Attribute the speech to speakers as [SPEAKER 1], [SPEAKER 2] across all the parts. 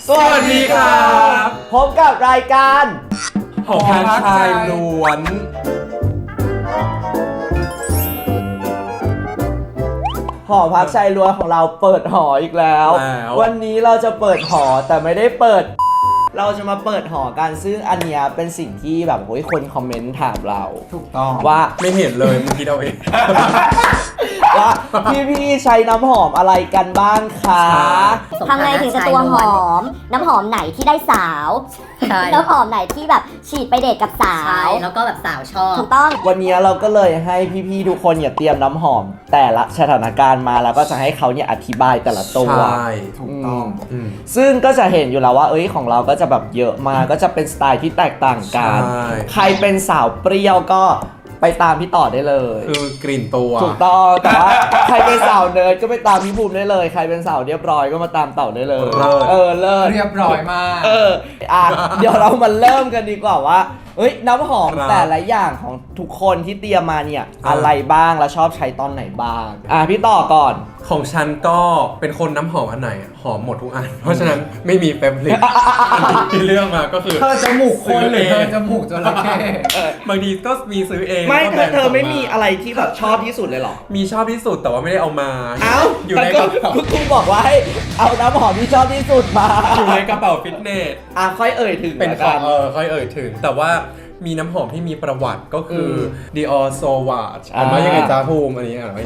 [SPEAKER 1] สวัสดีครับ
[SPEAKER 2] พบกับรายการ
[SPEAKER 1] หอพักชายล้วน
[SPEAKER 2] หอพักชายล้วนของเราเปิดหออีกแล้ววันนี้เราจะเปิดหอแต่ไม่ได้เปิดเราจะมาเปิดหอกันซึ่งอันเนี้ยเป็นสิ่งที่แบบโอ้ยคนคอมเมนต์ถามเรา
[SPEAKER 1] ถูกต้อง
[SPEAKER 2] ว่า
[SPEAKER 1] ไม่เห็นเลยมึงคิดเอาเอง
[SPEAKER 2] ว่าพี่ใช้น้ำหอมอะไรกันบ้างคะ
[SPEAKER 3] ทำไงถึงจะตัวหอมน้ำหอมไหนที่ได้สาวน้ำหอมไหนที่แบบฉีดไปเดทกับสาว
[SPEAKER 4] แล้วก็แบบสาวชอบ
[SPEAKER 3] ถูกต้อง
[SPEAKER 2] วันนี้เราก็เลยให้พี่ๆทุกคนเตรียมน้ำหอมแต่ละสถานการณ์มาแล้วก็จะให้เขาอธิบายแต่ละตัว
[SPEAKER 1] ใช่ถูกต้อง
[SPEAKER 2] ซึ่งก็จะเห็นอยู่แล้วว่าของเราก็จะแบบเยอะมากก็จะเป็นสไตล์ที่แตกต่างกันใครเป็นสาวเปรี้ยวก็ไปตามพี่ต่อได้เลย
[SPEAKER 1] คือกลิ่นตัว
[SPEAKER 2] ถูกต้องแต่ว่าใครเป็นสาวเนิร์ดก็ไปตามพี่ภูมิได้เลยใครเป็นสาวเรียบร้อยก็มาตามเต่าได้เลย
[SPEAKER 1] เ
[SPEAKER 2] ลิศ
[SPEAKER 1] เรียบร้อยมาก
[SPEAKER 2] เดี๋ยวเรามาเริ่มกันดีกว่าว่าน้ำหอมแต่ละอย่างของทุกคนที่เตรียมมาเนี่ยอะไรบ้างแล้วชอบใช้ตอนไหนบ้างพี่ต่อก่อน
[SPEAKER 1] ของฉันก็เป็นคนน้ำหอมอันไหนหอมหมดทุกอันเพราะฉะนั้นไม่มีเฟเวอริตที่เลือกมาก็คือ
[SPEAKER 2] เธอจมูกคนหรือเธอจมูกจระเข้
[SPEAKER 1] บางทีก็มีซื้อเอง
[SPEAKER 2] ไม่เธอไม่มีอะไรที่แบบชอบที่สุดเลยหรอ
[SPEAKER 1] มีชอบที่สุดแต่ว่าไม่ได้เอามา
[SPEAKER 2] อยู่ในกระเป๋าคุณบอกว่าให้เอาน้ำหอมที่ชอบที่สุดมา
[SPEAKER 1] อยู่ในกระเป๋าฟิตเนส
[SPEAKER 2] ค่อยเอ่ยถึง
[SPEAKER 1] เป็นของค่อยเอ่ยถึงแต่ว่ามีน้ำหอมที่มีประวัติก็คือ Dior Sauvage อ่านว่ายังไงจ้าภูมิอันนี้อ่านว่า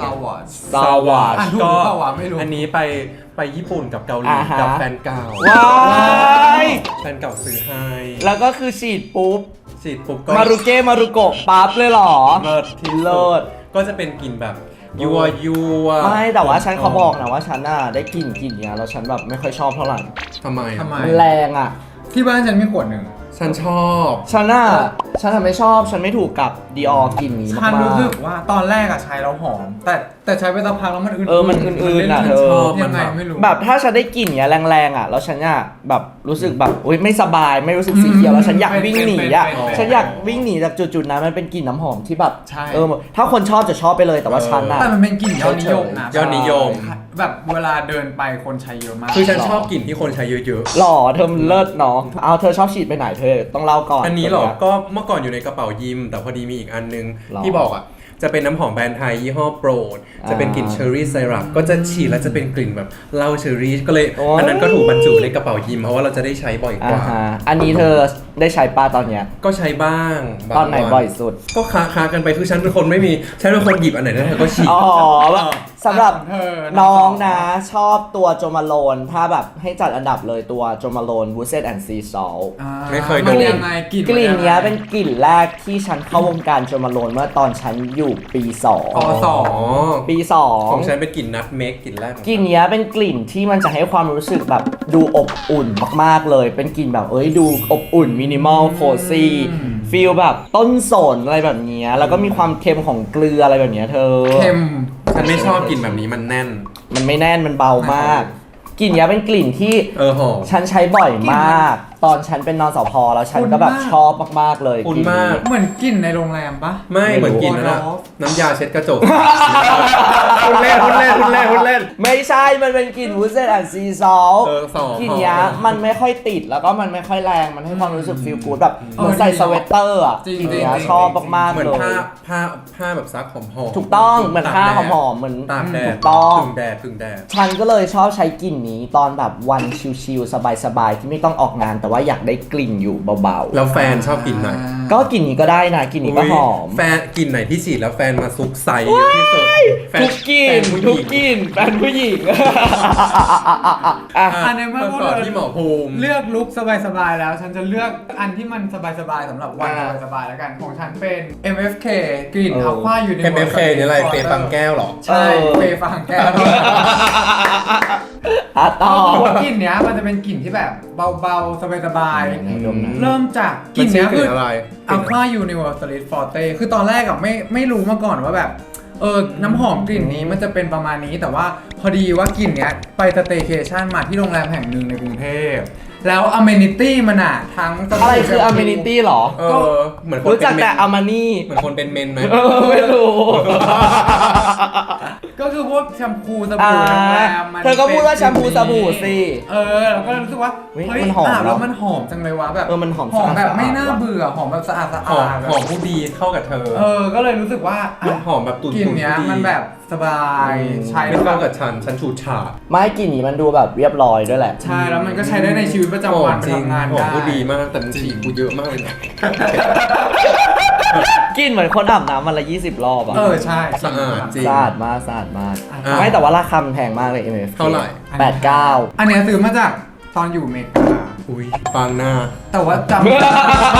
[SPEAKER 2] Sauvage
[SPEAKER 1] ก็อันนี้ไปญี่ปุ่นกับเกาหลีกับแฟนเก่าแฟนเก่าซื้อให้
[SPEAKER 2] แล้วก็คือฉีดปุ๊บ
[SPEAKER 1] ก็
[SPEAKER 2] มารุโกะปั๊บเลยหรอ
[SPEAKER 1] เลิศที่เลิศก็จะเป็นกลิ่นแบบยัว
[SPEAKER 2] ไม่แต่ว่าฉันเขาบอกนะว่าฉันได้กลิ่นเนี้ยแล้วฉันแบบไม่ค่อยชอบเท่าไหร่
[SPEAKER 1] ทำไม
[SPEAKER 2] มันแรง
[SPEAKER 5] ที่บ้านฉันมีขวดหนึ่ง
[SPEAKER 1] ฉันชอบ
[SPEAKER 2] ฉันไม่ชอบฉันไม่ถูกกับ Dior กลิ่นนี้มาก
[SPEAKER 5] ฉันรู้สึกว่าตอนแรกใช้แล้วหอมแต่ใช้ไปสักพักแล้วมันอื่น
[SPEAKER 2] มันอื่น
[SPEAKER 5] เธอยังไงไม่รู้
[SPEAKER 2] แบบถ้าฉันได้กลิ่นเนี้ยแรงแล้วฉันแบบรู้สึกแบบไม่สบายไม่รู้สึกสีเขียวแล้วฉันอยากวิ่งหนีฉันอยากวิ่งหนีจากจุดนั้นมันเป็นกลิ่นน้ำหอมที่แบบถ้าคนชอบจะชอบไปเลยแต่ว่าฉัน
[SPEAKER 5] แต่มันเป็นกลิ่นยอดนิยมนะ
[SPEAKER 1] ยอดนิยม
[SPEAKER 5] แบบเวลาเดินไปคนใช้เยอะมาก
[SPEAKER 1] คือฉันชอบกลิ่นที่คนใช้เยอะ
[SPEAKER 2] ๆหล่อเธอเลิศเนาะเอาเธอชอบฉีดไปไหนเธอต้องเล่าก่อน
[SPEAKER 1] อันนี้หรอก็เมื่อก่อนอยู่ในกระเป๋ายิมแต่พอดีมีอีกอันนึงที่บอกจะเป็นน้ำหอมแบรนด์ไทยยี่ห้อโปรดจะเป็นกลิ่นเชอร์รี่ไซรัปก็จะฉีดแล้วจะเป็นกลิ่นแบบเหล้าเชอร์รี่ก็เลยอันนั้นก็ถูกบรรจุในกระเป๋ายิมเพราะว่าเราจะได้ใช้บ่อยกว่า
[SPEAKER 2] อันนี้เธอได้ใช้ป้าตอนเนี้ย
[SPEAKER 1] ก็ใช้บ้าง
[SPEAKER 2] ตอนไหนบ่อยสุด
[SPEAKER 1] ก็ค้ากันไปคือฉันเป็นคนไม่มีฉันเป็นคนหยิบอันไหนได้ก็ฉีด
[SPEAKER 2] สำหรับน้องนะชอบตัวโจมาโลนถ้าแบบให้จัดอันดับเลยตัวโจมาโลนวูเซตแอนด์ซีซอล
[SPEAKER 1] ไม่เคยดู
[SPEAKER 2] กลิ่นนี้เป็นกลิ่นแรกที่ฉันเข้าวงการโจมาโลนเมื่อตอนฉันอยู่ปี2ปี2
[SPEAKER 1] ของฉันเป็นกลิ่นนัทเมกกลิ่นแรก
[SPEAKER 2] กลิ่นนี้เป็นกลิ่นที่มันจะให้ความรู้สึกแบบดูอบอุ่นมากๆเลยเป็นกลิ่นแบบดูอบอุ่นมินิมอลโคซี่ฟีลแบบต้นสนอะไรแบบนี้แล้วก็มีความเค็มของเกลืออะไรแบบนี้เธอ
[SPEAKER 5] เค็ม
[SPEAKER 1] ฉันไม่ชอบกลิ่นแบบนี้มันแน่น
[SPEAKER 2] มันไม่แน่นมันเบามากกลิ่นนี้เป็นกลิ่นที่ฉันใช้บ่อยมากตอนฉันเป็นนสพแล้วฉันก็แบบชอบมากๆเลย
[SPEAKER 1] กลิ่นมาก
[SPEAKER 5] เหมือนกลิ่นในโรงแรมปะ
[SPEAKER 1] ไม่เหมือนกลิ่นนะน้ำยาเช็ดกระจกคุณเล่น
[SPEAKER 2] ไม่ใช่มันเป็นกลิ่นวูดเซตแอนด์ซีซอลกลิ่นนี้มันไม่ค่อยติดแล้วก็มันไม่ค่อยแรงมันให้ความรู้สึกฟีลกู๊ดแบบเหมือนใส่สเวตเตอร์กลิ่นนี้ชอบมากๆเลย
[SPEAKER 1] เหมือนผ้าแบบซักหอม
[SPEAKER 2] ถูกต้องเหมือนผ้าหอมเหมือน
[SPEAKER 1] ตากแดด
[SPEAKER 2] ถูกต้อง
[SPEAKER 1] พึ่งแดด
[SPEAKER 2] ฉันก็เลยชอบใช้กลิ่นนี้ตอนแบบวันชิลๆสบายๆที่ไม่ต้องออกงานแต่ว่าอยากได้กลิ่นอยู่เบา
[SPEAKER 1] ๆแล้วแฟนชอบกลิ่นไหน
[SPEAKER 2] ก็กลิ่นนี้ก็ได้นะกลิ่นนี้ก็หอม
[SPEAKER 1] แฟนกลิ่นไหนที่ฉีดแล้วแฟนมาซุกใส่เยอะที่สุด
[SPEAKER 2] ทุกกลิ่นแฟนผู้หญิง
[SPEAKER 5] อันนี้เมื่อ
[SPEAKER 1] ก่อนที่หมอภูมิ
[SPEAKER 5] เลือกลุคสบายๆแล้วฉันจะเลือกอันที่มันสบายๆสำหรับวันสบายๆแล้วกันของฉันเป็น MFK กลิ่นอัลฟายูนิเวอร์
[SPEAKER 1] MFK นี่อะไรเฟย์ฟังแก้วหรอ
[SPEAKER 5] ใช่เฟย์ฟังแก้ว
[SPEAKER 2] ต่
[SPEAKER 5] อกลิ่นเนี้ยมันจะเป็นกลิ่นที่แบบเบาๆสบายๆเริ่มจากกลิ่นเนี้ยคืออัลฟายูนิเวอร์สลิดฟอร์เต้คือตอนแรกไม่รู้มาก่อนว่าแบบน้ำหอมกลิ่นนี้มันจะเป็นประมาณนี้แต่ว่าพอดีว่ากลิ่นเนี้ยไปสเตย์เคชั่นมาที่โรงแรมแห่งหนึ่งในกรุงเทพแล้วอเมนิตี้มันอะทั้งสบู่
[SPEAKER 2] อะไรคือ amenity หรอ
[SPEAKER 1] เหมือนคน
[SPEAKER 2] รู้จัก
[SPEAKER 1] เป็น
[SPEAKER 2] แต่
[SPEAKER 1] เมน
[SPEAKER 2] อามานี่
[SPEAKER 1] เหมือนคนเป็นเมนไหม
[SPEAKER 2] ไม่รู้
[SPEAKER 5] ก็คือพวกแชมพูสบู่โรงแรมมัน
[SPEAKER 2] เธอก็พูดว่าแชมพูสบู่สิ
[SPEAKER 5] เราก็เลยรู้สึกว่า
[SPEAKER 2] เฮ้ย
[SPEAKER 5] เฮ้ย
[SPEAKER 2] มันหอม
[SPEAKER 5] อาบแล้ว
[SPEAKER 2] เนอะ
[SPEAKER 5] มันหอมจังเลยวะแบบ
[SPEAKER 2] มันหอม
[SPEAKER 5] หอมแบบ
[SPEAKER 2] สะอาด
[SPEAKER 5] ไม่น่าเบื่อหอมแบบสะอาด
[SPEAKER 1] หอม
[SPEAKER 5] แบบ
[SPEAKER 1] หอมผู้ดีเข้ากับเธอ
[SPEAKER 5] ก็เลยรู้สึกว่า
[SPEAKER 1] มันหอมแบบตุ่นๆ
[SPEAKER 5] กลิ่นเนี้ย
[SPEAKER 1] ผู้ดี
[SPEAKER 5] มันแบบสบายใช้
[SPEAKER 1] ไม่
[SPEAKER 5] แล้วแบ
[SPEAKER 1] เข้า
[SPEAKER 5] บ
[SPEAKER 1] กับฉันฉูดฉาด
[SPEAKER 2] ไม่กลิ่นนี้มันดูแบบเรียบร้อยด้วยแหละ
[SPEAKER 5] ใช่แล้วมันก็ใช้ได้ในชีวิตประจำวันไป
[SPEAKER 1] จริง
[SPEAKER 5] ทำงาน
[SPEAKER 1] หอม
[SPEAKER 5] ได้
[SPEAKER 1] ผู้ดีมากแต่มันฉีดกูเยอะมากเลยนะ
[SPEAKER 2] กลิ่นเหมือนคนอาบน้ำวันละ20 รอบอะ
[SPEAKER 5] ใช่
[SPEAKER 1] สะอาดจริง
[SPEAKER 2] สะอาดมากสะอาดมาก
[SPEAKER 1] อ่ะ
[SPEAKER 2] ไม่แต่ว่าราคามันแพงมากเลย MFK
[SPEAKER 1] เท่าไหร่
[SPEAKER 2] 89
[SPEAKER 5] อันเนี้ยซื้อมาจากตอนอยู่อเมริกา
[SPEAKER 1] อุ้ยปังหน้า
[SPEAKER 5] แต่ว่าจำไม่ได้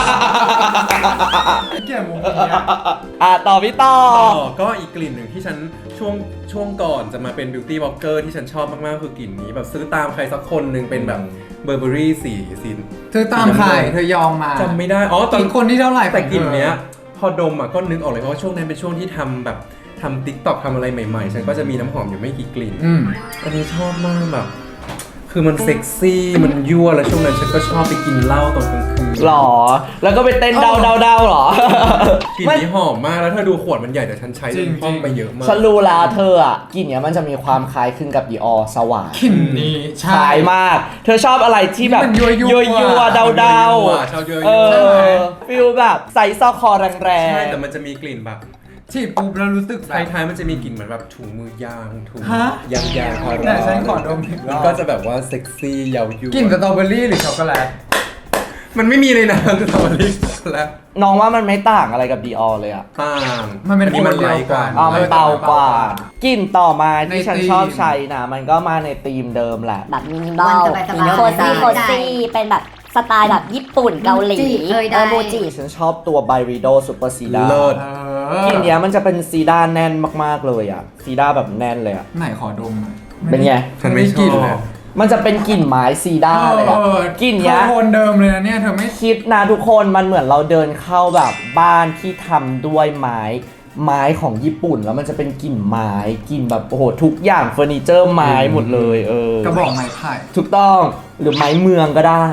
[SPEAKER 5] เกี่ยวมุมนี้อะ
[SPEAKER 2] ต่อพี่ต่อ
[SPEAKER 1] ก็อีกกลิ่นหนึ่งที่ฉันช่วงก่อนจะมาเป็น beauty blogger ที่ฉันชอบมากๆคือกลิ่นนี้แบบซื้อตามใครสักคนหนึ่งเป็นแบบเบอร์เบอรี่สี
[SPEAKER 5] เธอตามใครเธอยอมมา
[SPEAKER 1] จำไม่ได้ตอน
[SPEAKER 5] อีกคนที่เท่าไหร่
[SPEAKER 1] แต่กลิ่นเนี้ยพอดมก็นึกออกเลยเพราะว่าช่วงนั้นเป็นช่วงที่ทำ TikTok ทำอะไรใหม่ๆ ฉันก็จะมีน้ำหอมอยู่ไม่กี่กลิ่น อันนี้ชอบมากแบบ คือมันเซ็กซี่ มันยั่ว แล้วช่วงนั้นฉันก็ชอบไปกินเหล้าตอนกลางคืน
[SPEAKER 2] หรอ แล้วก็ไปเต้นเดาหรอ
[SPEAKER 1] กลิ่นนี้หอมมาก แล้วเธอดูขวดมันใหญ่แต่ฉันใช้ห้องไปเยอะมาก
[SPEAKER 2] ฉันรู้แล้วเธออ่ะกลิ่นเนี้ยมันจะมีความคล้ายคลึงกับดีออสว่าง
[SPEAKER 5] กลิ่นนี้
[SPEAKER 2] คล้ายมาก เธอชอบอะไรที่แบบ
[SPEAKER 5] ที่มันยั่วๆ
[SPEAKER 2] เดา
[SPEAKER 1] ชอบยั่วๆ
[SPEAKER 2] เออฟิลแบบใส่ซอกคอแรง
[SPEAKER 1] ใช่ แต่มันจะมีกลิ่นแบบ
[SPEAKER 5] ฉีดปุ๊บแล้วรู้สึกแบบ
[SPEAKER 1] ท้ายๆมันจะมีกลิ่นเหมือนแบบถุงมือยางถุง
[SPEAKER 5] ฮะ
[SPEAKER 1] ยางพารา
[SPEAKER 5] เนี่ยฉันขอดมอีกร
[SPEAKER 1] มั
[SPEAKER 5] อน บ
[SPEAKER 1] ก็จะแบบว่าเซ็กซี่เยาว์ยุ
[SPEAKER 5] กลิ่นสตรอเบอรี่หรือช็อกโกแลต
[SPEAKER 1] มันไม่มีเลยนะสตรอเบอรี่แล้ว
[SPEAKER 2] ๆน้องว่ามันไม่ต่างอะไรกับดีออเลยอ่ะ
[SPEAKER 1] ต่าง
[SPEAKER 5] มันเป็น
[SPEAKER 1] อัมันไลท์กว่า
[SPEAKER 2] มันเบากว่ากลิ่นต่อมาที่ฉันชอบใช้นะมันก็มาในธีมเดิมแหละ
[SPEAKER 3] แบบมินิมอล
[SPEAKER 4] สบายๆ
[SPEAKER 3] โคซี่โคซี่เป็นแบบสไตล์แบบญี่ปุ่นเกาหลี
[SPEAKER 4] มูจิ
[SPEAKER 3] มูจิ
[SPEAKER 2] ฉันชอบตัวไบริโดซูเปอร์ซีดา
[SPEAKER 1] เลิศ
[SPEAKER 2] กลิ่นเนี้ยมันจะเป็นซีดาแน่นมากๆเลยอ่ะซีดาแบบแน่นเลยอ่ะ
[SPEAKER 5] ไหนขอดมหน่อย
[SPEAKER 2] เป็นไง
[SPEAKER 1] ฉันไม่ช
[SPEAKER 5] กลิ่น
[SPEAKER 1] อบ
[SPEAKER 5] เลย
[SPEAKER 2] มันจะเป็นกลิ่นไม้ซีดาเลยอ่ะกลิ่นเนี้ย
[SPEAKER 5] โทนเดิมเลยนะเนี่ยเธอไม่
[SPEAKER 2] คิดนะทุกคนมันเหมือนเราเดินเข้าแบบบ้านที่ทำด้วยไม้ของญี่ปุ่นแล้วมันจะเป็นกลิ่นไม้กลิ่นแบบโอ้โหทุกอย่างเฟอร์นิเจอร์ไม้หมดเลย
[SPEAKER 5] กระบอกไม้ไผ่
[SPEAKER 2] ถูกต้องหรือไม้เมืองก็ได้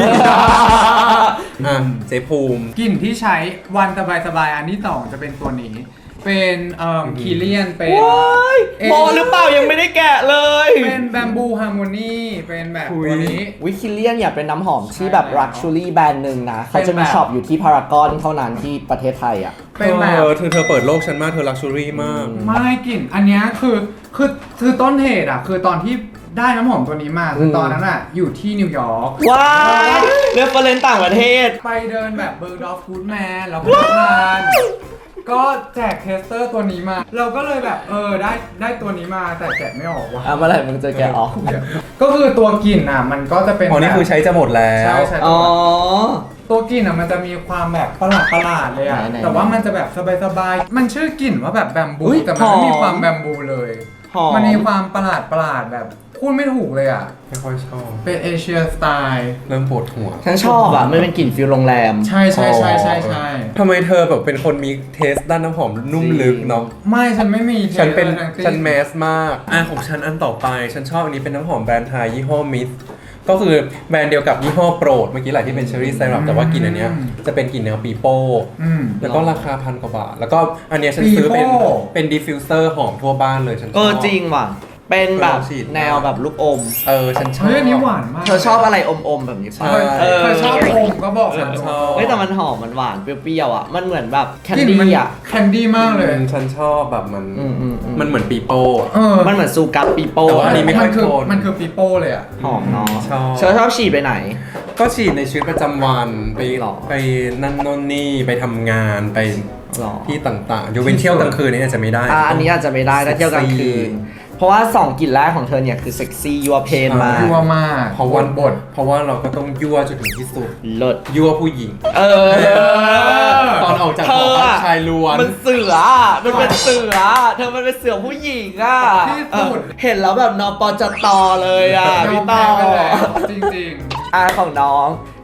[SPEAKER 1] อ่ะเจภูมิ
[SPEAKER 5] กลิ่นที่ใช้วันสบายๆอันที่สองจะเป็นตัวนี้ เป็นคีเลียนเป็น
[SPEAKER 2] ว้ายโมหรือเปล่ายังไม่ได้แกะเลย
[SPEAKER 5] เป็นแบมบูฮาร์โมนีเป็นแบบตัวนี้
[SPEAKER 2] วิคิเลียนเนี่ยเป็นน้ำหอมที่แบบ
[SPEAKER 5] ใช่แล้ว
[SPEAKER 2] ลักชัวรี่แบรนด์หนึ่งนะเขาจะมี
[SPEAKER 5] เป็นแบบ
[SPEAKER 2] ช็อปอยู่ที่พารากอนเท่านั้นที่ประเทศไทยอ่ะ
[SPEAKER 5] เป็นแบบ
[SPEAKER 1] เธอเปิดโลกฉันมากเธอลักชัวรี่มาก
[SPEAKER 5] ไม่กลิ่นอันเนี้ยคือต้นเหตุอ่ะคือตอนที่ได้น้ำหอมตัวนี้มาคือตอนนั้นอ่ะอยู่ที่นิวยอร์ก
[SPEAKER 2] ว้ายเรฟเฟอเรนซ์ต่างประเทศ
[SPEAKER 5] ไปเดินแบบเบอร์ดอฟฟูดแมนแล้วพนักงานก็แจกเทสเตอร์ตัวนี้มา เราก็เลยแบบได้ตัวนี้มาแต่แกะไม่ออกว่ะ
[SPEAKER 2] เมื่อไหร่มึงจะแกะออก
[SPEAKER 5] ก็คือตัวกลิ่นอ่ะมันก็จะเป็น
[SPEAKER 1] อ๋อ นี่คือใช้จะหมดแล้ว
[SPEAKER 5] ใช่ใช่
[SPEAKER 2] อ๋อ
[SPEAKER 5] ตัวกลิ่นอ่ะมันจะมีความแบบประหลาดเลยอ่ะ
[SPEAKER 2] ไหนๆ
[SPEAKER 5] แต่ว่ามันจะแบบสบายๆมันชื่อกลิ่นว่าแบบแบมบู
[SPEAKER 2] อุ๊ย
[SPEAKER 5] แต่มันไม่มี
[SPEAKER 2] หอม
[SPEAKER 5] ความแบมบูเลย
[SPEAKER 2] หอม
[SPEAKER 5] มันมีความประหลาดแบบพูดไม่ถูกเลยอ่ะ
[SPEAKER 1] ไม่ค่อยชอบ
[SPEAKER 5] เป็นเอเชียสไตล์
[SPEAKER 1] เริ่มปวดหัว
[SPEAKER 2] ฉันชอบอ่ะมันเป็นกลิ่นฟิลโรงแรม
[SPEAKER 5] ใช่ใช่ใช่ใช่ใช่
[SPEAKER 1] ทำไมเธอแบบเป็นคนมีเทสด้านน้ำหอมนุ่มลึกเนาะ
[SPEAKER 5] ไม่ฉันไม่มี
[SPEAKER 1] ฉันเป็น
[SPEAKER 5] ทั้ง
[SPEAKER 1] ฉันแมสมากของฉันอันต่อไปฉันชอบอันนี้เป็นน้ำหอมแบรนด์ไทยยี่ห้อมิสก็คือแบรนด์เดียวกับยี่ห้อโปรดเมื่อกี้แหละที่เป็นเชอรี่ไซรัปแต่ว่ากลิ่นอันเนี้ยจะเป็นกลิ่นแนวปีโป้ แล้วก็ราคา1,000 กว่าบาท แล้วก็อันเนี้ยฉันซื้อเป็นดิฟฟิวเซอร์หอมทั่วบ้านเลยฉันชอบ
[SPEAKER 2] จริงว่ะ เป็นแบบ
[SPEAKER 1] ฉีด
[SPEAKER 2] แนวแบบลูกอม
[SPEAKER 1] ฉันชอบ
[SPEAKER 5] เฮ้ยอันนี้หวานมาก
[SPEAKER 2] เธอชอบอะไรอมๆแบบนี้
[SPEAKER 1] ใช่
[SPEAKER 2] ป่ะ
[SPEAKER 5] เธอชอบอมก็บอกฉัน
[SPEAKER 1] ชอบ
[SPEAKER 2] เฮ้ยแต่มันหอมมันหวานเปรี้ยวๆอ่ะมันเหมือนแบบแคน
[SPEAKER 5] กลิ่น
[SPEAKER 2] ดี้
[SPEAKER 5] มัน
[SPEAKER 2] อ่ะ
[SPEAKER 5] แคนดี้มากเลย
[SPEAKER 1] ฉันชอบแบบมัน มันเหมือนปีโป้
[SPEAKER 2] มันเหมือนซูกัสปีโป้
[SPEAKER 1] แต่ว่าอันนี้ไม่ค่อย
[SPEAKER 5] คือ
[SPEAKER 1] โทน
[SPEAKER 5] มันคือปีโป้เลยอ่ะ
[SPEAKER 2] หอมเนาะ
[SPEAKER 1] ชอบ
[SPEAKER 2] เธอชอบฉีดไปไหน
[SPEAKER 1] ก็ฉีดในชีวิตประจำวันไป
[SPEAKER 2] หรอ
[SPEAKER 1] ไปนั่นโน่นนี่ไปทำงานไป
[SPEAKER 2] หรอ
[SPEAKER 1] ที่ต่างๆยกเว้นเที่ยวกลางคืนนี่อาจจะไม่ได้
[SPEAKER 2] อันนี้อาจจะไม่ได้ถ้าเที่ยวกลางคืน เพราะว่า2กลิ่นแรกของเธอเนี่ยคือเซ็กซี่ยัวเพนมาก
[SPEAKER 5] ยั่วมาก
[SPEAKER 1] เพราะว่าเพราะว่าเราก็ต้องยั่วจนถึงที่สุด
[SPEAKER 2] เลิศ
[SPEAKER 1] ยั่วผู้หญิง ตอนออกจากหอพักชายล้วน
[SPEAKER 2] มันเสืออะมันเป็นเสืออะเธอมันเป็นเสือผู้หญิงอ่ะ
[SPEAKER 5] ที่สุด
[SPEAKER 2] เห็นแล้วแบบนปจตเลยอ่ะ
[SPEAKER 5] ยอ
[SPEAKER 2] พี่
[SPEAKER 5] ม
[SPEAKER 2] ต่
[SPEAKER 5] แพ้
[SPEAKER 2] อ
[SPEAKER 5] ไปแล้วจริง
[SPEAKER 2] ของน้อง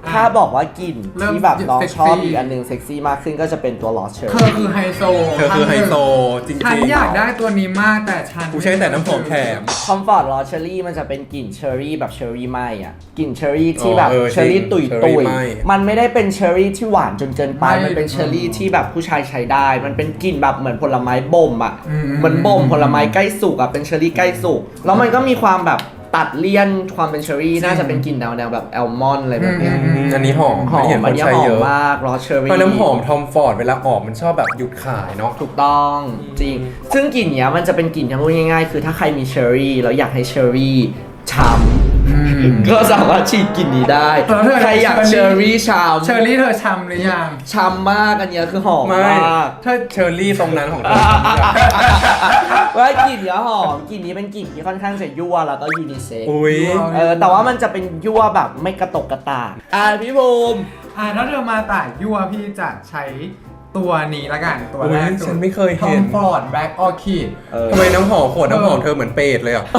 [SPEAKER 2] ถ้าบอกว่ากลิ่น
[SPEAKER 5] เริ่ม
[SPEAKER 2] ที่แบบน้อง
[SPEAKER 5] เซ็กซี่
[SPEAKER 2] ชอบอีกอันหนึงเซ็กซี่มากขึ้นก็จะเป็นตัวลอสเชอร์
[SPEAKER 5] เธอคือไฮโซ
[SPEAKER 1] เธอคือไฮโซจริงๆ
[SPEAKER 5] ฉันอยากได้ตัวนี้มากแต่ฉัน
[SPEAKER 1] กูใช้แต่น้ำหอมแถม
[SPEAKER 2] คอมฟอร์ตลอสเชอรี่มันจะเป็นกลิ่นเชอร์รี่แบบเชอร์รี่ไหมอ่ะกลิ่นเชอร์รี่ที่แบบ
[SPEAKER 1] อ๋อ
[SPEAKER 2] เชอร์รี่ตุย
[SPEAKER 1] เชอร์
[SPEAKER 2] ตุ
[SPEAKER 1] รี่
[SPEAKER 2] ย
[SPEAKER 1] ไหม้
[SPEAKER 2] มันไม่ได้เป็นเชอร์รี่ที่หวานจนเกินไปมันเป็นเชอร์รี่ที่แบบผู้ชายใช้ได้ มันเป็นกลิ่นแบบเหมือนผลไม้บ่มอ่ะเหมือนบ่มผลไม้ใกล้สุกอ่ะเป็นเชอร์รี่ใกล้สุกแล้วมันก็มีความแบบตัดเลี่ยนความเป็นเชอร์รี่น่าจะเป็นกลิ่นแนวแบบแอลมอนด์อะไรแบบเนี้ย
[SPEAKER 1] อันนี้หอม
[SPEAKER 2] หอม
[SPEAKER 1] เห็นค
[SPEAKER 2] อัน
[SPEAKER 1] น
[SPEAKER 2] นี้
[SPEAKER 1] ใช้
[SPEAKER 2] หอ
[SPEAKER 1] เย
[SPEAKER 2] ม
[SPEAKER 1] อะ
[SPEAKER 2] มากลอสเชอรี่
[SPEAKER 1] เพราะน้ำหอมทอมฟอร์ดเวลาออกมันชอบแบบหยุดขายเนาะ
[SPEAKER 2] ถูกต้องจริง ซึ่งกลิ่นเนี้ยมันจะเป็นกลิ่นที่พูดง่ายๆ คือถ้าใครมีเชอร์รี่แล้วอยากให้เชอร์รี่ช้ำก็สามารถฉีดกลิ่นนี้ได้ ใครอยากเชอร์รี่ช้ำ
[SPEAKER 5] เชอร์รี่เธอช้ำหรือยัง
[SPEAKER 2] ช้ำมากอันเนี้ยคือหอม
[SPEAKER 1] ไม่
[SPEAKER 2] มาก
[SPEAKER 1] ถ้าเชอร์รี่ตรงนั้นของเธอ
[SPEAKER 2] ว่ากลิ่นเนี้ยหอมกลิ่นนี้เป็นกลิ่นที่ค่อนข้างจะยั่วแล้วก็ยูนิเซ็กซ์
[SPEAKER 1] อุ้ย
[SPEAKER 2] แต่ว่ามันจะเป็นยั่วแบบไม่กระตกกระตากพี่ภูมิ
[SPEAKER 5] ถ้าเธอมาต่ายยั่วพี่จะใช้ตัวนี้ละกันตัวแรก
[SPEAKER 1] อุ๊ยฉันไม่เคย
[SPEAKER 5] ทอ
[SPEAKER 1] เห็
[SPEAKER 5] ม
[SPEAKER 1] น
[SPEAKER 5] ฟอร์ดแบล็กออคิด
[SPEAKER 1] ทำไมน้ำหอมขวดน้ำหอมเธอเหมือนเปรตเลยอ่ะ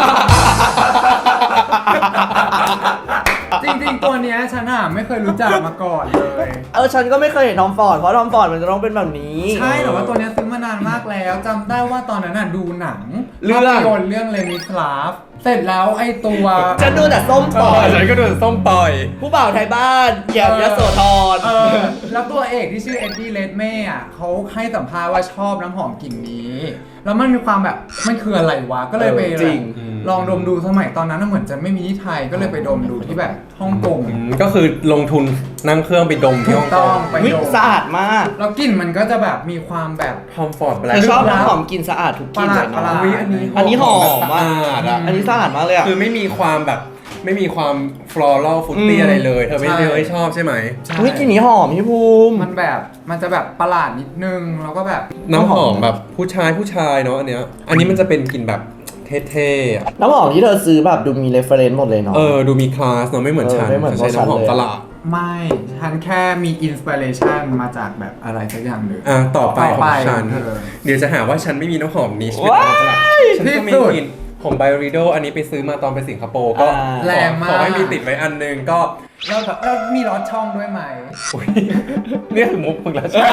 [SPEAKER 5] จริงๆ ตัวเนี้ยฉันไม่เคยรู้จักมาก่อนเลย
[SPEAKER 2] ฉันก็ไม่เคยเห็นทอมฟอร์ดเพราะทอมฟอร์ดมันจะต้องเป็นแบบนี้
[SPEAKER 5] ใช่แต่ว่าตัวเนี้ยซื้อมานานมากแล้วจำได้ว่าตอนนั้นดูหนัง
[SPEAKER 2] เรื่อง
[SPEAKER 5] ภาพยนตร์เรื่องเลมิสลาฟเสร็จแล้วไอ้ตัว
[SPEAKER 2] ฉันดูแต่ส้มปล่อย
[SPEAKER 1] ฉันก็โดนส้มปล่อย
[SPEAKER 2] ผู้บ่าวไทยบ้านแย่ยโสธร
[SPEAKER 5] แล้วตัวเอกที่ชื่อเอ็ดดี้เลดเม่เขาให้สัมภาษณ์ว่าชอบน้ำหอมกลิ่นนี้ แล้วมันมีความแบบมันคืออะไรวะก็เลยไป
[SPEAKER 2] จริง
[SPEAKER 5] ลองดมดูสมัยตอนนั้นเหมือนจะไม่มีที่ไทยก็เลยไปดมดูที่แบบฮ่องกง
[SPEAKER 1] ก็คือลงทุนนั่งเครื่องไปดมที่
[SPEAKER 5] ถู
[SPEAKER 1] ฮ่
[SPEAKER 5] ก
[SPEAKER 1] องก
[SPEAKER 5] ต้อง
[SPEAKER 1] ง
[SPEAKER 5] ไป
[SPEAKER 2] วิ
[SPEAKER 5] ดม
[SPEAKER 2] สะอาดมาก
[SPEAKER 5] แล้วกลิ่นมันก็จะแบบมีความแบบ
[SPEAKER 1] ทอมฟอร์ดแบล็
[SPEAKER 2] เธ
[SPEAKER 1] ค
[SPEAKER 2] อชอบน้ำหอมกลิ่นสะอาดทุกกลิ่นเลย
[SPEAKER 5] ประหลา
[SPEAKER 2] เนาะ
[SPEAKER 5] ด
[SPEAKER 1] อุ๊ยอันนี้
[SPEAKER 2] หอม
[SPEAKER 1] แบบ
[SPEAKER 2] มาก
[SPEAKER 1] สะอาดอะ
[SPEAKER 2] อันนี้สะอาดมากเลยอ่ะ
[SPEAKER 1] คือไม่มีความแบบไม่มีความฟลอรัลฟุตตี้อะไรเลย เธอไม่ชอบใช่ไหม
[SPEAKER 5] ใช่
[SPEAKER 2] วิกลิ่นนี้หอมพี่ภูมิ
[SPEAKER 5] มันจะแบบประหลาดนิดนึงแล้วก็แบบ
[SPEAKER 1] น้ำหอมแบบผู้ชายเนาะอันเนี้ยอันนี้มันจะเป็นกลิ่นแบบเท่ๆอะ
[SPEAKER 2] น้ำหอมที่เธอซื้อแบบดูมีเรฟเฟรนซ์หมดเลยเนาะ
[SPEAKER 1] ดูมีคลาสเนาะไม่เหมือนฉัน
[SPEAKER 2] ไม่เหมือน
[SPEAKER 1] ฉันใช้น้ำหอม
[SPEAKER 2] พวกฉันเลย
[SPEAKER 1] ตลาด
[SPEAKER 5] ไม่ฉันแค่มีอินสปิเรชันมาจากแบบอะไรสักอย่างหนึ่ง
[SPEAKER 1] ต่อไปของฉัน
[SPEAKER 5] เออ
[SPEAKER 1] เดี๋ยวจะหาว่าฉันไม่มีน้ำหอมนิช
[SPEAKER 2] ว้าย
[SPEAKER 1] ฉันก็มี
[SPEAKER 5] ที่สุด
[SPEAKER 1] กลิ่นของไบริโดอันนี้ไปซื้อมาตอนไปสิงคโปร์ก็
[SPEAKER 5] แรงมาก
[SPEAKER 1] ขอให้มีติดไว้อันหนึงก็
[SPEAKER 5] แล้วมีรอดช่องด้วยไหม
[SPEAKER 1] อุ๊ยเนี่ยคือมุกมึงแล้วใช่ไหม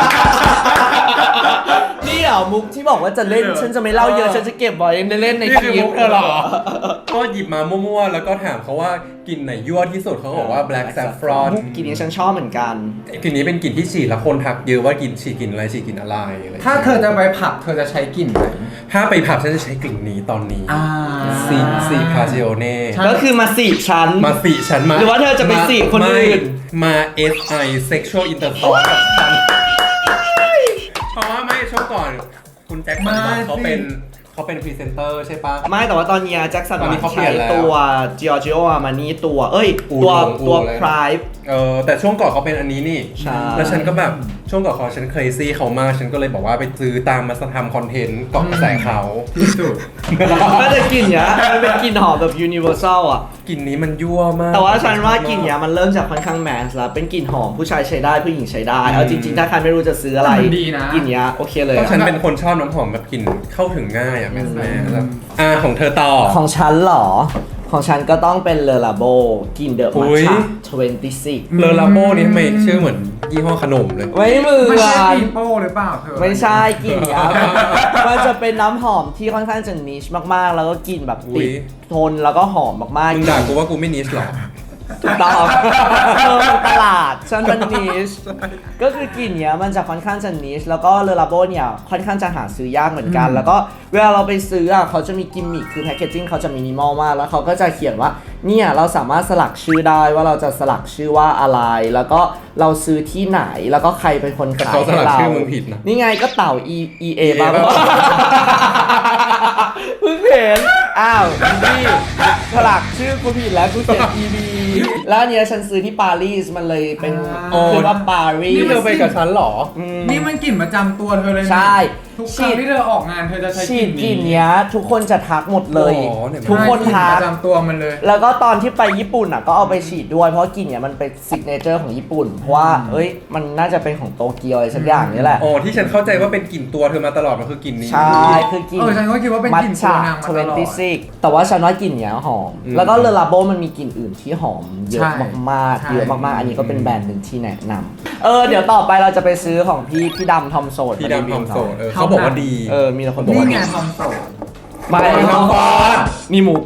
[SPEAKER 2] นี่เหรอมุกที่บอกว่าจะเล่นฉันจะไม่เล่าเยอะฉันจะเก็บไว้เล่นใน
[SPEAKER 1] นี่
[SPEAKER 2] ค
[SPEAKER 1] คือ
[SPEAKER 2] ลิป
[SPEAKER 1] มุกเธอเหรอ ก็หยิบมามั่วๆ แล้วก็ถามเขาว่ากลิ่นไหนยั่วที่สุดเขาบอกว่า black saffron
[SPEAKER 2] มุกกลิ่นนี้ฉันชอบเหมือนกัน
[SPEAKER 1] กลิ่นนี้เป็นกลิ่นที่ฉีดแล้วคนทักเยอะว่ากลิ่นฉีดกลิ่นอะไรฉีดกลิ่นอะไรอะไร
[SPEAKER 5] ถ้าเธอจะไปผับเธอจะใช้กลิ่นไหน
[SPEAKER 1] ถ้าไปผับฉันจะใช้กลิ่นนี้ตอนนี้ ซีพาซิโอเน่
[SPEAKER 2] ก็คือมาสีฉัน
[SPEAKER 1] มาสิฉันมา
[SPEAKER 2] หรือว่าเธอจะไปสิคนอื่น
[SPEAKER 1] มา SI sexual intercourse กับฉันเพราะว่าไม่ช่วงก่อน คุณแจ็คสันหวังเขาเป็นพรีเซนเตอร์ใช่ปะ
[SPEAKER 2] ไม่แต่ว่าตอนเนี้ยแจ็คสัน
[SPEAKER 1] ตอนนี้
[SPEAKER 2] หวั
[SPEAKER 1] เขา
[SPEAKER 2] ง
[SPEAKER 1] เปลี่
[SPEAKER 2] ใช้
[SPEAKER 1] ยนแล้ว
[SPEAKER 2] ตัว Giorgio Armani ตัว
[SPEAKER 1] อู
[SPEAKER 2] ตัว
[SPEAKER 1] เลย
[SPEAKER 2] Pride
[SPEAKER 1] แต่ช่วงก่อนเขาเป็นอันนี้นี่
[SPEAKER 2] ใช่
[SPEAKER 1] แล้วฉันก็แบบช่วงก่อนเขาฉันเคยซี่เขามาก ฉันก็เลยบอกว่าไปซื้อตามมาทำคอนเทนต์เกาะกระแสเขา
[SPEAKER 5] ที่สุด
[SPEAKER 2] ก็จะกลิ่นเนี้ยมันเป็นกลิ่นหอมแบบ universal อ่ะ
[SPEAKER 1] กลิ่นนี้มันยั่วมาก
[SPEAKER 2] แต่ว่าฉันว่ากลิ่นเนี้ยมันเริ่มจากค่อนข้างแมสแล้วเป็นกลิ่นหอมผู้ชายใช้ได้ผู้หญิงใช้ได้ เอาจริงๆ ถ้าใครไม่รู้จะซื้ออะไร
[SPEAKER 5] แต่มันดีนะ
[SPEAKER 2] กลิ่นเนี้ยโอเคเลย
[SPEAKER 1] ก็
[SPEAKER 2] อะ
[SPEAKER 1] ฉันเป็นคนชอบน้ำหอมแบบกลิ่นเข้าถึงง่ายอ่ะแม่แล้วของเธอต่อ
[SPEAKER 2] ของฉันเหรอ ของฉันก็ต้องเป็นเลอลาโบกลิ่นเดอะ
[SPEAKER 1] อุ๊
[SPEAKER 2] มัท
[SPEAKER 1] ย
[SPEAKER 2] ฉะ26
[SPEAKER 1] เลอลาโบนี่ทำไมชื่อเหมือนยี่ห้อขนมเลย
[SPEAKER 2] ไม่เหมือ
[SPEAKER 5] ไม่ใช่
[SPEAKER 2] น
[SPEAKER 5] ปีโป้หรือเปล่าเธอ
[SPEAKER 2] ไม่ใช่กลิ่นเนี้ยมันจะเป็นน้ำหอมที่ค่อนข้างจะนิชมากๆ แล้วก็กลิ่นแบบ
[SPEAKER 1] อุ๊
[SPEAKER 2] ติ
[SPEAKER 1] ย
[SPEAKER 2] ดทนแล้วก็หอมมากๆ
[SPEAKER 1] มึงด่ากูว่ากูไม่นิชหรอ
[SPEAKER 2] ถูกต้องตลาดฉันมันนิชก็คือกลิ่นเนี้ยมันจะค่อนข้างจะนิชแล้วก็เลอลาโบเนี่ยค่อนข้างจะหาซื้อยากเหมือนกัน แล้วก็เวลาเราไปซื้ออ่ะเขาจะมีกิมมิคคือแพคเกจจิ้งเขาจะมินิมอลมากแล้วเขาก็จะเขียนว่าเนี่ยเราสามารถสลักชื่อได้ว่าเราจะสลักชื่อว่าอะไร แล้วก็เราซื้อที่ไหนแล้วก็ใครเป็นคน
[SPEAKER 1] แต่
[SPEAKER 2] ขาย
[SPEAKER 1] เขาส
[SPEAKER 2] ให้
[SPEAKER 1] ลัก
[SPEAKER 2] เรา
[SPEAKER 1] ชื่อมึงผิดนะ
[SPEAKER 2] นี่ไงก็เต่า EA บ้าง
[SPEAKER 1] บ้าง
[SPEAKER 2] เพิ่งเห็นอ้าวนี่สลักชื่อกูผิดแล้วกูเขียน EB แล้วอันเนี้ยฉันซื้อที่ปารีสมันเลยเป็น
[SPEAKER 1] อ๋อ
[SPEAKER 2] คือว่าปารี
[SPEAKER 1] นี่
[SPEAKER 2] ส
[SPEAKER 1] เธอไปกับฉันเหรอ
[SPEAKER 5] นี่มันกลิ่นประจำตัวเธอเลยนะ
[SPEAKER 2] ใช่
[SPEAKER 5] ทุกครั้งที่เธอออกงานเธอจะใช้
[SPEAKER 2] ฉี
[SPEAKER 5] ก
[SPEAKER 2] ด
[SPEAKER 5] ลิ่น
[SPEAKER 2] กลิ่นเนี้ยทุกคนจะทักหมดเลย
[SPEAKER 1] อ๋อเนี่ย
[SPEAKER 2] ทุกคน
[SPEAKER 5] ใช่กลิ่
[SPEAKER 2] ทัก
[SPEAKER 5] ประจำตัวมันเลย
[SPEAKER 2] แล้วก็ตอนที่ไปญี่ปุ่นอ่ะก็เอาไปฉีดด้วยเพราะกลิ่นเนี้ยมันเป็นซิกเนเจอร์ของญี่ปุ่นเพราะว่าเอ้ยมันน่าจะเป็นของโตเกียวอะไรสักอย่างนี่แหละ
[SPEAKER 1] อ๋อที่ฉันเข้าใจว่าเป็นกลิ่นตัวเธอมาตลอดมันคือกลิ่นนี้
[SPEAKER 2] ใช่คือกลิ่น
[SPEAKER 5] ฉันก็คิดว่าเป็น
[SPEAKER 2] มั
[SPEAKER 5] ก
[SPEAKER 2] ท
[SPEAKER 5] ลิ่นตั
[SPEAKER 2] ฉะ
[SPEAKER 5] วนางมาตลอด
[SPEAKER 2] 26แต่ว่าฉันว่ากลิ่นเนี้ยหอม แล้วก็เลอลาโบมันมีกลิ่นอื่นที่หอมมเยอะมาก
[SPEAKER 5] ใช่
[SPEAKER 2] ๆเยอะมากๆอันนี้ก็เป็นแบรนด์หนึ่งที่แนะนำเดี๋ยวต่อไปเราจะไปซื้อของพี่ดำทอมโสด
[SPEAKER 1] พี่ดำทอมโสดเขาบอกว่าดี
[SPEAKER 2] มีแต่คนบอก
[SPEAKER 5] นี่
[SPEAKER 2] ว่า
[SPEAKER 5] ไง
[SPEAKER 2] ดี
[SPEAKER 5] ทอมโสด
[SPEAKER 2] ไม่
[SPEAKER 1] ทอมโสด
[SPEAKER 2] นี่มุก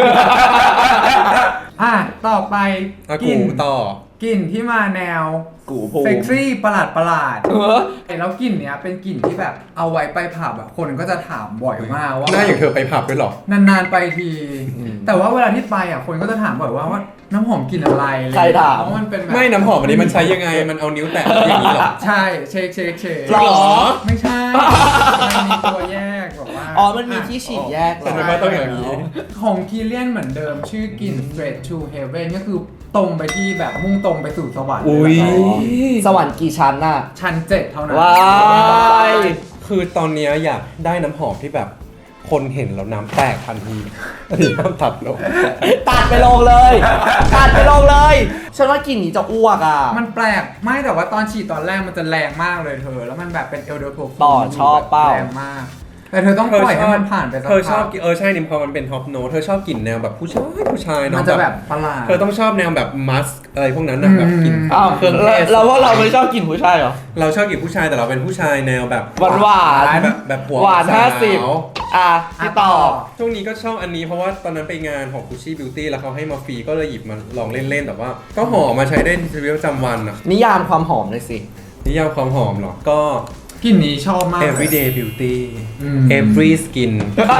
[SPEAKER 5] ต่อไป
[SPEAKER 1] อา
[SPEAKER 5] กิ
[SPEAKER 1] กู
[SPEAKER 5] น
[SPEAKER 1] ต่อ
[SPEAKER 5] กลิ่นที่มาแนว
[SPEAKER 2] กูภูมิ
[SPEAKER 5] เซ็กซี่ประหลาดแล้วกลิ่นเนี้ยเป็นกลิ่นที่แบบเอาไว้ไปผับคนก็จะถามบ่อยมากว่า
[SPEAKER 1] หน้าอย่างเธอไปผับด้วยเหรอ
[SPEAKER 5] นานๆไปที แต่ว่าเวลาที่ไปคนก็จะถามบ่อยว่าน้ำหอมกลิ่นอะไร
[SPEAKER 2] ใครถาม
[SPEAKER 5] เพราะมันเป็นแบบ
[SPEAKER 1] ไม่น้ำหอมอันนี้มันใช้ยังไงมันเอานิ้วแตะอย่างนี้เหรอ
[SPEAKER 5] ใช่เช็ค
[SPEAKER 2] หรอ
[SPEAKER 5] ไม่ใช่มันมีตัวแยกบอกว่า
[SPEAKER 2] มันมีที่ฉีดแยกเหร
[SPEAKER 1] ทำ
[SPEAKER 2] อ
[SPEAKER 1] ไมว่าต้องอย่างนี้
[SPEAKER 5] ของคีเลียนเหมือนเดิมชื่อกลิ่น straight to heaven ก็คือตรงไปที่แบบมุ่งตรงไปสู่สวรรค์
[SPEAKER 1] อุ๊ย
[SPEAKER 2] สวรรค์กี่ชั้นน่ะ
[SPEAKER 5] ชั้น 7 เท่านั้น
[SPEAKER 2] ว้าย
[SPEAKER 1] คือตอนเนี้ยอยากได้น้ำหอมที่แบบคนเห็นแล้วน้ำแตกทันทีอันนี้น้ำตัดลง
[SPEAKER 2] ตัดไปลงเลยตัดไปลงเลยฉันว่ากลิ่นนี้จะอ้วกอ่ะ
[SPEAKER 5] มันแปลกไม่แต่ว่าตอนฉีดตอนแรกมันจะแรงมากเลยเธอ แล้วมันแบบเป็นเอลเดอร์โพ
[SPEAKER 2] ต่อชอบเปล่า
[SPEAKER 5] แรงมาก แต่เธอต้องปล่อยให้มันผ่านไปสัก
[SPEAKER 1] เธอชอบ
[SPEAKER 5] พัก
[SPEAKER 1] กินใช่นิมพอมันเป็นท็อปโนเธอชอบกลิ่นแนวแบบผู้ชายเนาะ
[SPEAKER 5] มันจะแบบประหลาด
[SPEAKER 1] เธอต้องชอบแนวแบบมัสอะไรพวกนั้นนะแบบกลิ่น
[SPEAKER 2] อ้าว
[SPEAKER 1] เครื่องเทศ
[SPEAKER 2] แล้วพวกเราไม่ชอบกลิ่นผู้ชายเหรอ
[SPEAKER 1] เราชอบกลิ่นผู้ชายแต่เราเป็นผู้ชายแนวแบบ
[SPEAKER 2] หวานๆ
[SPEAKER 1] แบบหัว
[SPEAKER 2] หวาน
[SPEAKER 1] สาว
[SPEAKER 2] 50พี่ต่อ
[SPEAKER 1] ช่วงนี้ก็ชอบอันนี้เพราะว่าตอนนั้นไปงานของ Gucci Beauty แล้วเขาให้มาฟรีก็เลยหยิบมาลองเล่นๆแต่ว่า ก็หอมมาใช้ได้ในชีวิตประจำวันอะ
[SPEAKER 2] นิยามความหอมเลยสิ
[SPEAKER 1] นิยามความหอมเหรอก็
[SPEAKER 5] กลิ่นนี้ชอบมาก
[SPEAKER 1] everyday beauty
[SPEAKER 5] อืม
[SPEAKER 1] every skin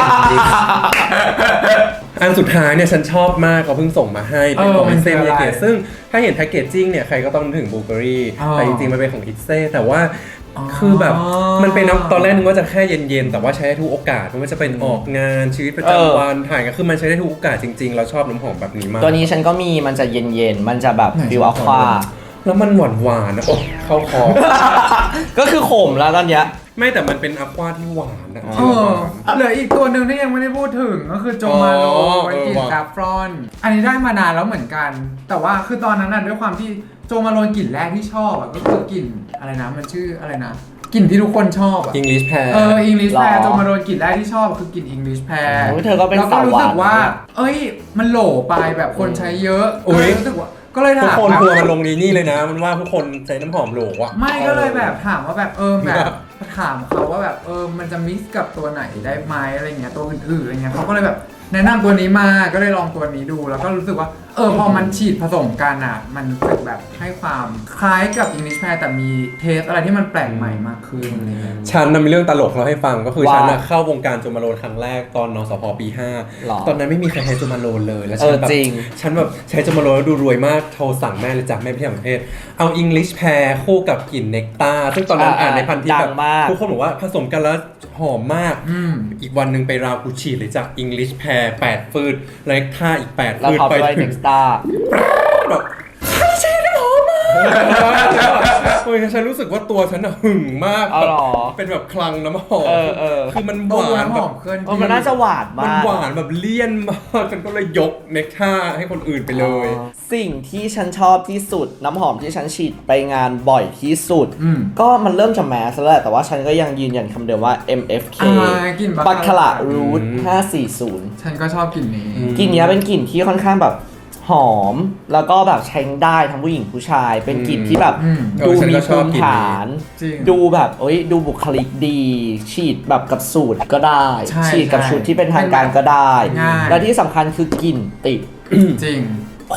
[SPEAKER 1] อันสุดท้ายเนี่ยฉันชอบมากเขาเพิ่งส่งมาให้เป็นของ
[SPEAKER 5] มัน
[SPEAKER 1] อิเซ่
[SPEAKER 5] คือ
[SPEAKER 1] มิ
[SPEAKER 5] อะไร
[SPEAKER 1] ยาเกะซึ่งถ้าเห็นแพคเกจจิ้งเนี่ยใครก็ต้องนึกถึงบูเบอรี่
[SPEAKER 5] อ๋อ
[SPEAKER 1] แต่จริงๆมันเป็นของอิเซ่แต่ว่า
[SPEAKER 5] อ๋อ
[SPEAKER 1] คือแบบมันเป็นน้ำตอนแรกนึกว่าจะแค่เย็นๆแต่ว่าใช้ได้ทุกโอกาสไม่ว่าจะเป็นออกงานชีวิตประจำวันถ่ายกันคือมันใช้ได้ทุกโอกาสจริงๆเราชอบน้ำหอมแบบนี้มาก
[SPEAKER 2] ตัวนี้ฉันก็มีมันจะเย็นๆ มันจะแบบ
[SPEAKER 5] ไหน
[SPEAKER 2] ฟิลอะควา
[SPEAKER 1] แล้วมันหวานๆนะโอ้เข้าคอ
[SPEAKER 2] ก็คือขมแล้วตอนเนี้ย
[SPEAKER 1] ไม่แต่มันเป็นอะควาที่หวานนะ
[SPEAKER 5] เหลืออีกตัวหนึ่งที่ยังไม่ได้พูดถึงก็คือโจมาโล
[SPEAKER 1] อ๋อ
[SPEAKER 5] เป็นกลิ่น
[SPEAKER 1] ว่ะ
[SPEAKER 5] ซาฟรอน อันนี้ได้มานานแล้วเหมือนกัน แต่ว่าคือตอนนั้นน่ะด้วยความที่โจมาโลกลิ่นแรกที่ชอบอ่ะก็คือกลิ่นอะไรนะมันชื่ออะไรนะกลิ่นที่ทุกคนชอบอ่ะ
[SPEAKER 1] อังกฤษแพร
[SPEAKER 5] อิงลิชแพ
[SPEAKER 2] หร
[SPEAKER 5] ร
[SPEAKER 2] อ
[SPEAKER 5] โจมาโลกลิ่นแรกที่ชอบคือกลิ่นอิงลิชแพร
[SPEAKER 2] โอ้ยเธอก็เป็น
[SPEAKER 5] แล้วก็รู้สึกว่า
[SPEAKER 2] สาวหวาน
[SPEAKER 5] เอ้ยมันโหลไปแบบคนใช้เยอะ
[SPEAKER 1] อุ๊ย
[SPEAKER 5] ก็เลยรู้สึกว่าก็เลย
[SPEAKER 1] ทุก
[SPEAKER 5] ถาม
[SPEAKER 1] คน
[SPEAKER 5] แบบ
[SPEAKER 1] ทัวร์มันลงนี้นี่เลยนะ มันว่าทุกคนใช้น้ำหอมโหลอะ
[SPEAKER 5] ไม่ก็เลยแบบถามว่าแบบแบบถามเขาว่าแบบมันจะมิกซ์กับตัวไหนได้ไหมอะไรเงี้ยตัวอื่นๆอะไรเงี้ยเขาก็เลยแบบแนะนำตัวนี้มาก็เลยลองตัวนี้ดูแล้วก็รู้สึกว่าพอมันฉีดผสมกันอ่ะมันรู้สึกแบบให้ความคล้ายกับ English Pear แต่มีเทสอะไรที่มันแปลกใหม่มากขึ้นอะไรเงี้ย
[SPEAKER 1] ฉันน่ะมีเรื่องตลกเราให้ฟังก็คือ
[SPEAKER 2] ว่า
[SPEAKER 1] ฉันน่ะเข้าวงการโจมาโลนครั้งแรกตอนนสพปี
[SPEAKER 2] หรอ
[SPEAKER 1] 5 ตอนนั้นไม่มีใครใช้โจมาโลนเลยแล้วฉันแบบ
[SPEAKER 2] จริง
[SPEAKER 1] ฉันแบบใช้โจมาโลนแล้วดูรวยมากโทรสั่งแม่เลยจ้ะแม่ไปที่ต่างประเทศเอาอังกฤษแพรคู่กับกลิ่นเนกตาซึ่งตอนนั้นอ่านในพันทิป
[SPEAKER 2] ดั
[SPEAKER 1] แบ
[SPEAKER 2] ง
[SPEAKER 1] บ
[SPEAKER 2] มาก
[SPEAKER 1] ทุกคนบอกว่าผสมกันแล้วหอมมาก
[SPEAKER 5] ม
[SPEAKER 1] อีกวันหนึ่งไปราวกูฉีดเลยจากอังกฤษแพร8 ฟืดเล็กท่าอีก8
[SPEAKER 2] แล้ว
[SPEAKER 1] ฟืด
[SPEAKER 2] ท็อป
[SPEAKER 1] ไป
[SPEAKER 2] ด้วย
[SPEAKER 1] ถึ
[SPEAKER 2] เน็
[SPEAKER 1] ง
[SPEAKER 2] กสตาร์
[SPEAKER 1] แบบใช่น้ำหอมมากโอ้ยฉันรู้สึกว่าตัวฉันอะหึงมาก
[SPEAKER 2] อ๋อเหรอ
[SPEAKER 1] เป็นแบบคลังน้ำหอม คือมันห
[SPEAKER 5] ตัว
[SPEAKER 1] วาน
[SPEAKER 5] น้ำห
[SPEAKER 1] แบ
[SPEAKER 5] อบ มเคลื่อน
[SPEAKER 2] มันน่าจะหวาน
[SPEAKER 1] มัน
[SPEAKER 2] มาก
[SPEAKER 1] หวานแบบเลี่ยนมากฉันก็เลยยกเน็กท่าให้คนอื่นไปเลย
[SPEAKER 2] สิ่งที่ฉันชอบที่สุดน้ำหอมที่ฉันฉีดไปงานบ่อยที่สุด
[SPEAKER 5] อืม
[SPEAKER 2] ก็มันเริ่มจะแมสแล้วแหละแต่ว่าฉันก็ยังยืนยันคำเดิมว่า MFK
[SPEAKER 5] กลิ่น
[SPEAKER 2] บัคคาระรูท
[SPEAKER 1] อืม
[SPEAKER 2] 540
[SPEAKER 5] ฉันก็ชอบกลิ่นนี้
[SPEAKER 2] กลิ่นเนี้ยเป็นกลิ่นที่ค่อนข้างแบบหอม แล้วก็แบบใช้ได้ทั้งผู้หญิงผู้ชาย เป็นกลิ่นที่แบบ
[SPEAKER 5] อืม
[SPEAKER 2] ดู
[SPEAKER 1] ฉัน
[SPEAKER 2] มี
[SPEAKER 1] ก็ช
[SPEAKER 2] ภู
[SPEAKER 1] อบ
[SPEAKER 2] มิ
[SPEAKER 1] กลิ่นนี้
[SPEAKER 2] ฐาน
[SPEAKER 5] จริง
[SPEAKER 2] ดูแบบดูบุคลิกดี ฉีดแบบกับสูตรก็ได้
[SPEAKER 5] ใช่
[SPEAKER 2] ฉีดกับ
[SPEAKER 5] ใช่
[SPEAKER 2] ชุดที่เป็นทางการก็ได้
[SPEAKER 5] ง่าย
[SPEAKER 2] และที่สำคัญคือกลิ่นติด
[SPEAKER 5] จริง
[SPEAKER 2] คน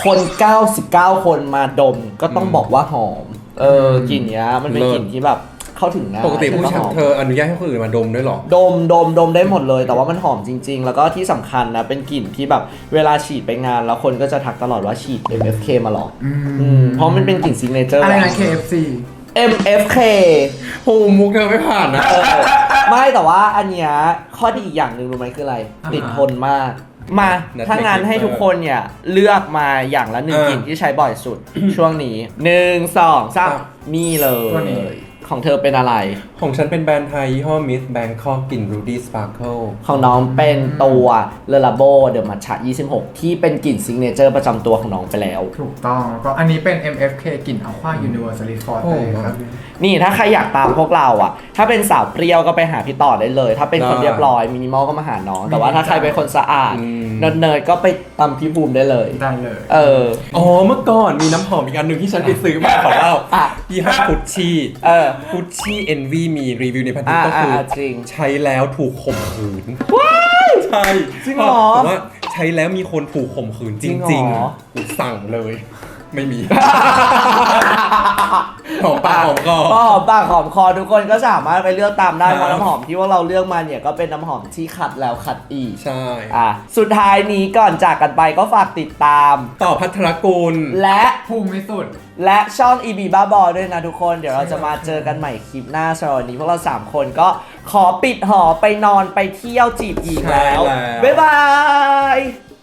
[SPEAKER 2] 99 คนมาดมก็ต้องบอกว่าหอม กลิ่นเนี้ยมันเป็น
[SPEAKER 1] เลิศ
[SPEAKER 2] กลิ่นที่แบบเข้าถึงง่าย
[SPEAKER 1] ปกติผู้ชาย
[SPEAKER 2] หอม
[SPEAKER 1] เธออนุญาตให้คนอื่นมาดมด้วยเหรอ
[SPEAKER 2] ดมได้หมดเลย แต่ว่ามันหอมจริง ๆ แล้วก็ที่สำคัญนะเป็นกลิ่นที่แบบเวลาฉีดไปงานแล้วคนก็จะทักตลอดว่าฉีด MFK มาหรอเพราะมันเป็นกลิ่นซิกเนเจอร์
[SPEAKER 5] อะไรนะ KFC
[SPEAKER 2] MFK
[SPEAKER 1] โหมุกเธอไม่ผ่านนะ
[SPEAKER 2] ไม่แต่ว่าอันเนี้ยข้อดีอีกอย่างหนึ่งรู้ไหมคืออะไร
[SPEAKER 5] อ่าฮะ
[SPEAKER 2] ติดทนมาก มา
[SPEAKER 1] Netflix
[SPEAKER 2] ถ้างั้นให้ทุกคนเนี่ยเลือกมาอย่างละหนึ่ง
[SPEAKER 1] อ่าก
[SPEAKER 2] ลิ่นที่ใช้บ่อยสุด ช่วงนี้ 1 2 3นี่เลย
[SPEAKER 5] ตัวนี้
[SPEAKER 2] ของเธอเป็นอะไร
[SPEAKER 1] ของฉันเป็นแบรนด์ไทยยี่ห้อ Miss Bangkok กลิ่น Rudy Sparkle
[SPEAKER 2] ของน้องเป็นตัวเลลาโบเดอะมัทฉะ26 ที่เป็นกลิ่นซิกเนเจอร์ประจำตัวของน้องไปแล้ว
[SPEAKER 5] ถูกต้องแล้วก็อันนี้เป็น MFK กลิ่น Aqua Universalis
[SPEAKER 1] โอ้
[SPEAKER 5] Forte ครับ
[SPEAKER 2] นี่ถ้าใครอยากตามพวกเราอ่ะ ถ้าเป็นสาวเปรี้ยวก็ไปหาพี่ต่อได้เลย ถ้าเป็นคน
[SPEAKER 1] ได้
[SPEAKER 2] เรียบร้อยมินิมอลก็มาหาน้อง แต่ว่าถ้าใครเป็นคนสะอาด
[SPEAKER 1] อืม
[SPEAKER 2] เนิร์ดๆก็ไปตามพี่ภูมิได้เลย
[SPEAKER 5] ได้เลย
[SPEAKER 2] เออ
[SPEAKER 1] อ๋อเมื่อก่อนมีน้ำหอมอีกอันหนึ่งที่ฉันไปซื้อมาขอเล่า
[SPEAKER 2] อ่ะ
[SPEAKER 1] ยี่ห้อกุชชี่
[SPEAKER 2] เออ
[SPEAKER 1] กุชชี่ Envy มีรีวิวในพันทิปก็คืออ
[SPEAKER 2] จริง
[SPEAKER 1] ใช้แล้วถูกข่มขืนใช่
[SPEAKER 2] จริงเหรอ
[SPEAKER 1] แต่ว่าใช้แล้วมีคนถูกข่มขืนจ
[SPEAKER 2] จริง
[SPEAKER 1] ริง
[SPEAKER 2] เหรอ
[SPEAKER 1] ๆกูสั่งเลย ไม่มี หอมปากหอมคอ
[SPEAKER 2] ก็หอมปากหอมคอทุกคนก็สามารถไปเลือกตามได้
[SPEAKER 1] ครับ
[SPEAKER 2] เพราะน้ำหอมที่ว่าเราเลือกมาเนี่ยก็เป็นน้ำหอมที่คัดแล้วคัดอีก
[SPEAKER 1] ใช่
[SPEAKER 2] สุดท้ายนี้ก่อนจากกันไปก็ฝากติดตาม
[SPEAKER 1] ต่อพัทรกุล
[SPEAKER 2] และ
[SPEAKER 5] ภูมิสุด
[SPEAKER 2] และช่อง EB บ้าบอด้วยนะทุกคน เดี๋ยวเราจะมาเจอกันใหม่คลิปหน้าสำหรับวันนี้พวกเรา 3 คนก็ขอปิดหอไปนอนไปเที่ยวจีบอีกแล้ว
[SPEAKER 1] ใช่แล้ว
[SPEAKER 2] บ๊ายบาย